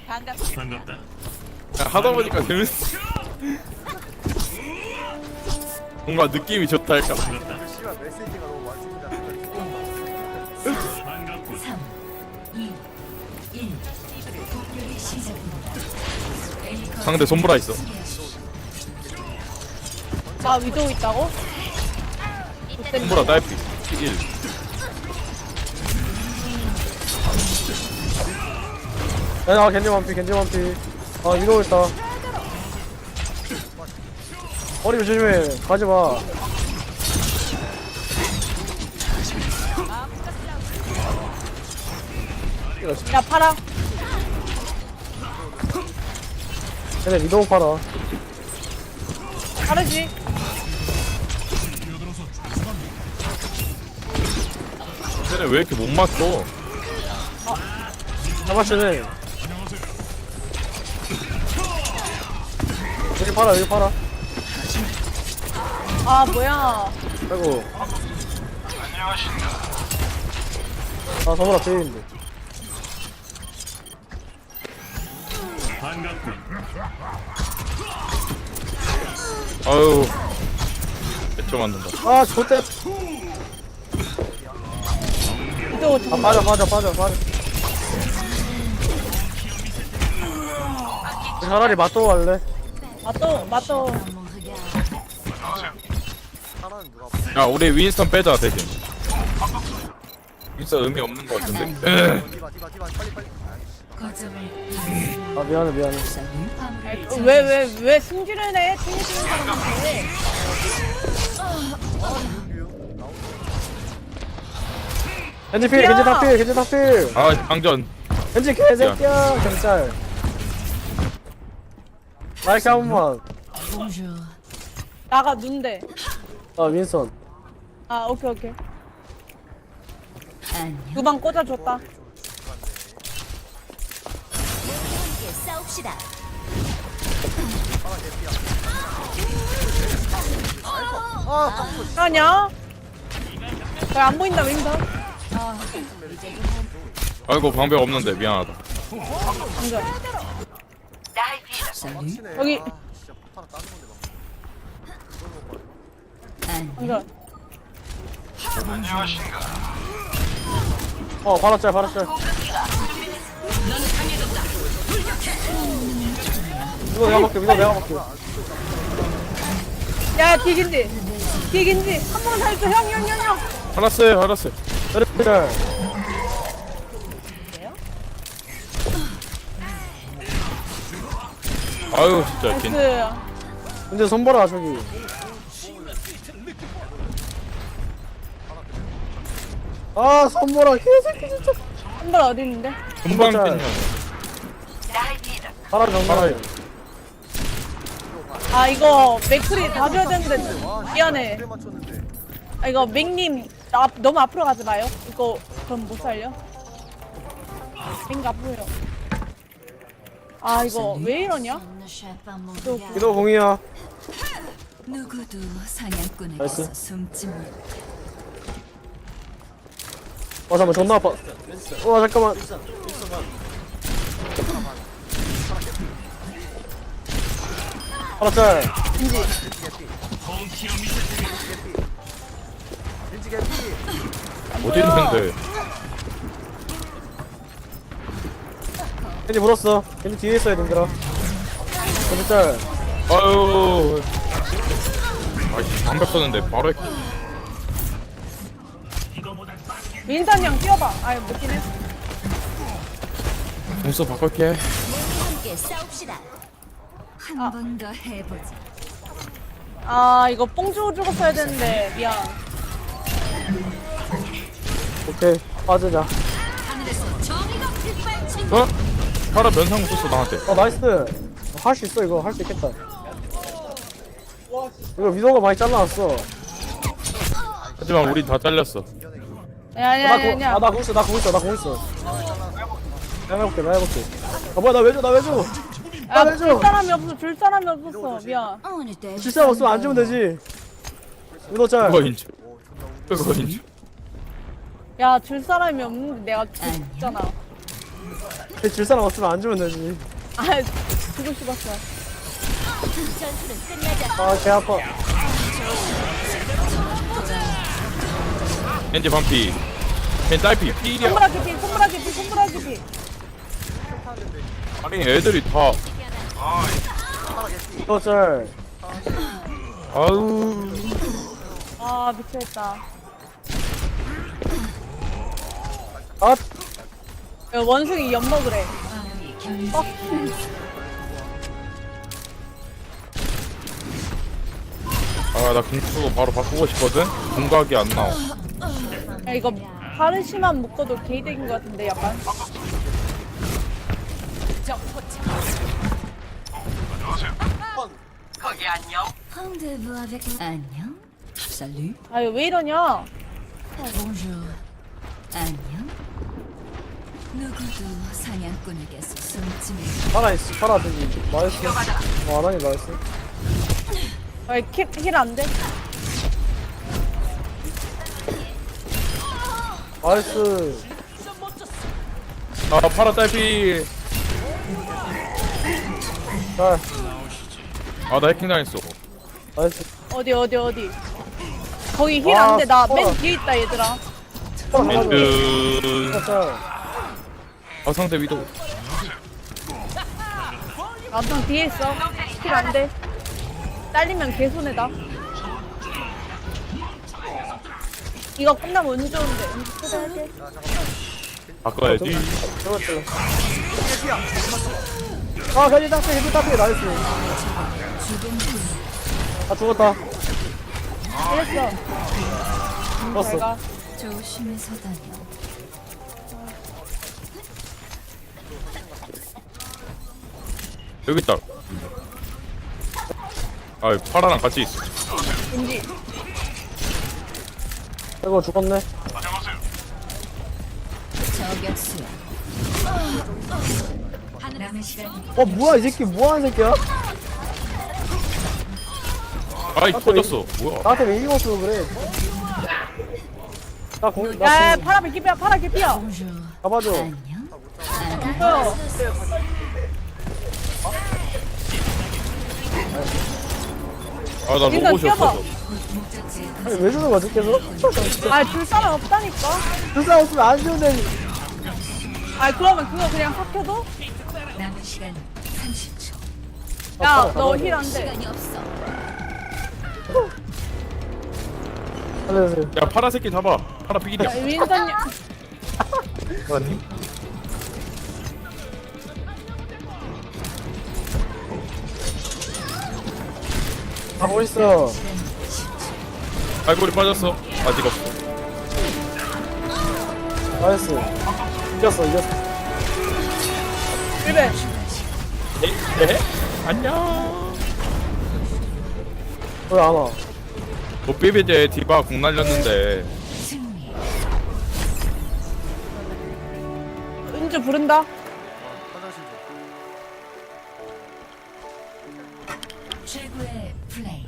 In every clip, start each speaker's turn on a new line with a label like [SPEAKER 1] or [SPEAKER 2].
[SPEAKER 1] 반갑다.
[SPEAKER 2] 야, 하다 보니까 재밌어. 뭔가 느낌이 좋달까.
[SPEAKER 1] 반갑다.
[SPEAKER 3] 씨발 메시지가 너무 많습니다.
[SPEAKER 1] 3,
[SPEAKER 4] 2, 1. 공격이 시작됩니다.
[SPEAKER 2] 상대 손보라 있어.
[SPEAKER 5] 나 위도우 있다고?
[SPEAKER 2] 손보라 딸피 1.
[SPEAKER 6] 야, 겐지 완피, 겐지 완피. 아, 위로 있다. 머리 조심해. 가지 마.
[SPEAKER 5] 야 팔아.
[SPEAKER 6] 얘네 위도우 팔아.
[SPEAKER 5] 다르지?
[SPEAKER 2] 쟤네 왜 이렇게 못 맞춰?
[SPEAKER 6] 잡았으네. 여기 팔아, 여기 팔아.
[SPEAKER 5] 아 뭐야?
[SPEAKER 6] 아이고. 아, 서브라 페인데.
[SPEAKER 1] 반갑군.
[SPEAKER 2] 아유. 몇초 만든다.
[SPEAKER 6] 아, 좋대.
[SPEAKER 5] 위도우
[SPEAKER 6] 아,
[SPEAKER 5] 좀.
[SPEAKER 6] 빠져. 차라리 맞도 할래.
[SPEAKER 5] 맞도.
[SPEAKER 3] 사람은 누가
[SPEAKER 2] 야, 우리 윈스턴 빼자 대신. 윈스턴 의미 없는 것 같은데.
[SPEAKER 3] 디바 빨리.
[SPEAKER 4] 거점을
[SPEAKER 6] 아, 미안해.
[SPEAKER 4] 화물을
[SPEAKER 5] 왜 승질을 내? 챙겨주는 사람한테.
[SPEAKER 6] 겐지 필, 겐지 다 필.
[SPEAKER 2] 아, 방전.
[SPEAKER 6] 겐지 개새끼야. 경찰. 마이크 한 번만.
[SPEAKER 4] 봉주
[SPEAKER 5] 나가 눈대.
[SPEAKER 6] 아, 윈선.
[SPEAKER 5] 아 오케이.
[SPEAKER 4] 안녕.
[SPEAKER 5] 두 방 꽂아줬다.
[SPEAKER 4] 함께 싸웁시다.
[SPEAKER 5] 아냐? 왜 안 보인다 윈선?
[SPEAKER 2] 아이고 방벽 없는데 미안하다.
[SPEAKER 5] 완전.
[SPEAKER 4] 쌀리
[SPEAKER 5] 여기
[SPEAKER 3] 진짜 하나 따는 건데 막.
[SPEAKER 4] 안녕.
[SPEAKER 5] 완전.
[SPEAKER 6] 바라짤. 이거 내가 먹게.
[SPEAKER 5] 야 뒤긴지 한 번 살려줘 형.
[SPEAKER 2] 알았어요.
[SPEAKER 6] 짤.
[SPEAKER 2] 아유 진짜 긴.
[SPEAKER 5] 그
[SPEAKER 6] 근데 손보라 저기. 아, 손보라 개새끼 진짜.
[SPEAKER 5] 한발 어디 있는데?
[SPEAKER 2] 금방
[SPEAKER 6] 짤.
[SPEAKER 2] 뺐냐.
[SPEAKER 6] 파라 정말.
[SPEAKER 5] 아 이거 맥크리 다 줘야 되는데 미안해.
[SPEAKER 3] 그래 맞췄는데.
[SPEAKER 5] 아 이거 맥님 너무 앞으로 가지 마요. 이거 그럼 못 살려. 맥 앞으로요. 아 이거 왜 이러냐?
[SPEAKER 6] 기도 공이야.
[SPEAKER 4] 누구도 사냥꾼에게서
[SPEAKER 6] 나이스.
[SPEAKER 4] 숨지 못.
[SPEAKER 6] 잠깐만 존나 아파. 잠깐만. 파라짤.
[SPEAKER 3] 겐지 개피.
[SPEAKER 2] 어디 있는데?
[SPEAKER 6] 겐지 물었어. 겐지 뒤에 있어야 된들아. 겐지 짤.
[SPEAKER 2] 아유. 아이 방벽 썼는데 바로 했.
[SPEAKER 5] 민선 형 뛰어봐. 아유 못 뛰네.
[SPEAKER 2] 공수 바꿀게.
[SPEAKER 4] 함께 싸웁시다. 한 번 더 해보자.
[SPEAKER 5] 아 이거 뽕 주고 죽었어야 되는데 미안.
[SPEAKER 6] 오케이. 빠지자.
[SPEAKER 4] 하늘에서 정의가 빛발친.
[SPEAKER 2] 어? 파라 면상 썼어 나한테.
[SPEAKER 6] 나이스. 할 수 있어 이거. 할 수 있겠다. 이거 위도가 많이 잘라놨어.
[SPEAKER 2] 하지만 우리 다 잘렸어.
[SPEAKER 5] 아니야.
[SPEAKER 6] 나 공 있어. 내가 해볼게. 아, 뭐야, 나 왜 줘?
[SPEAKER 5] 아,
[SPEAKER 6] 왜 줘?
[SPEAKER 5] 줄 사람이 없었어. 미안.
[SPEAKER 4] 어느 때
[SPEAKER 6] 실사 없으면 안 주면 되지. 위도 짤.
[SPEAKER 2] 그거 인줄. 그거 인줄.
[SPEAKER 5] 야, 줄 사람이 없는데 내가 줬잖아.
[SPEAKER 6] 줄 사람 없으면 안 주면 되지.
[SPEAKER 5] 아 주고 싶었어.
[SPEAKER 4] 전투는 끝나지 않.
[SPEAKER 6] 아, 개 아파.
[SPEAKER 2] 겐지 반피. 겐지 딸피. 필이야.
[SPEAKER 5] 손브라기 피.
[SPEAKER 2] 아니 애들이 다.
[SPEAKER 3] 파라 개피.
[SPEAKER 6] 또 짤.
[SPEAKER 2] 아우.
[SPEAKER 5] 아 미쳐있다.
[SPEAKER 6] 아,
[SPEAKER 5] 야, 원숭이 엿 먹으래. 어?
[SPEAKER 2] 아나 궁수고 바로 바꾸고 싶거든. 궁각이 안 나와.
[SPEAKER 5] 야, 이거 파르시만 묶어도 개이득인 것 같은데 약간.
[SPEAKER 4] Rendez-vous avec. 안녕. Salut.
[SPEAKER 5] 아유 왜 이러냐?
[SPEAKER 4] Bonjour. 안녕. 누구도 사냥꾼에게서 숨지는
[SPEAKER 6] 파라 있어. 파라 저기. 나이스. 아나니 나이스.
[SPEAKER 5] 힐 안 돼?
[SPEAKER 6] 나이스.
[SPEAKER 2] 아 파라 딸피.
[SPEAKER 6] 짤.
[SPEAKER 2] 아 나 해킹 당했어.
[SPEAKER 6] 나이스.
[SPEAKER 5] 어디. 거기 힐
[SPEAKER 6] 아,
[SPEAKER 5] 안 돼. 나 맨
[SPEAKER 6] 서라.
[SPEAKER 5] 뒤에 있다 얘들아.
[SPEAKER 6] 파라 가져.
[SPEAKER 2] 멘트.
[SPEAKER 6] 짤.
[SPEAKER 2] 아 상대 위도.
[SPEAKER 5] 나도 뒤에 있어. 힐 안 돼. 딸리면 개손해다. 이거 끝나면 운 좋은데. 초대할게.
[SPEAKER 2] 바꿔야지.
[SPEAKER 6] 저거 찔러. 아, 괜히 땄어. 괜히 땄어. 나이스. 아, 죽었다.
[SPEAKER 5] 이랬어.
[SPEAKER 6] 죽었어.
[SPEAKER 5] 잘 가.
[SPEAKER 4] 조심해서 다녀.
[SPEAKER 2] 여기 있다. 아 파라랑 같이 있어.
[SPEAKER 5] 왠지.
[SPEAKER 6] 이거 죽었네.
[SPEAKER 4] 저격수야. 남은 시간
[SPEAKER 6] 뭐야, 이 새끼. 뭐하는 새끼야?
[SPEAKER 2] 아이 터졌어. 뭐야?
[SPEAKER 6] 나한테 왜 이기고 그래? 나 공,
[SPEAKER 5] 야,
[SPEAKER 6] 나 공,
[SPEAKER 5] 파라 개피야.
[SPEAKER 4] Bonjour.
[SPEAKER 6] 잡아줘.
[SPEAKER 4] 안녕.
[SPEAKER 5] 어.
[SPEAKER 2] 아나
[SPEAKER 5] 일단 뛰어봐.
[SPEAKER 2] 로봇이었어.
[SPEAKER 6] 아니, 왜 주는 거지, 계속?
[SPEAKER 5] 아, 줄 사람 없다니까.
[SPEAKER 6] 불사 없으면 안 주는데.
[SPEAKER 5] 아, 그러면 그거 그냥 삭혀도?
[SPEAKER 4] 남은 시간 30초.
[SPEAKER 5] 야, 너 힐 안 돼.
[SPEAKER 4] 시간이 없어.
[SPEAKER 6] 살려주세요.
[SPEAKER 2] 야 파라 새끼 잡아. 파라 피기야.
[SPEAKER 5] 야, 윈선님.
[SPEAKER 2] 뭐님?
[SPEAKER 6] 가고 있어.
[SPEAKER 2] 발골이 빠졌어. 아직 없어.
[SPEAKER 6] 나이스. 이겼어.
[SPEAKER 5] 1배.
[SPEAKER 2] 네? 안녕.
[SPEAKER 6] 왜 안 와?
[SPEAKER 2] 노비비제 디바 공 날렸는데
[SPEAKER 4] 승리.
[SPEAKER 5] 은주 부른다.
[SPEAKER 3] 화장실 좀.
[SPEAKER 4] 최고의 플레이.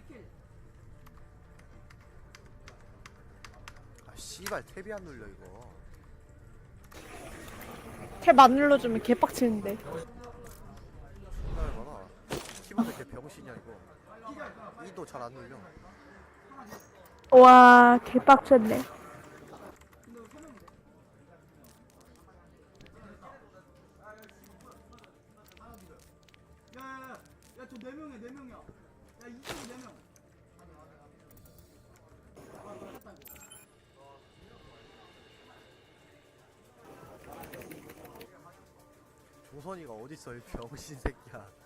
[SPEAKER 3] 아 씨발 탭이 안 눌려 이거.
[SPEAKER 5] 탭 안 눌러주면 개빡치는데.
[SPEAKER 3] 존나 열받아. 키보드 개 병신이야 이거. 이도 잘 안 눌려.
[SPEAKER 5] 와 개빡쳤네.
[SPEAKER 1] 야저 4명이야 4명이야 야 이쪽에 4명
[SPEAKER 3] 조선이가 어딨어 이 병신 새끼야.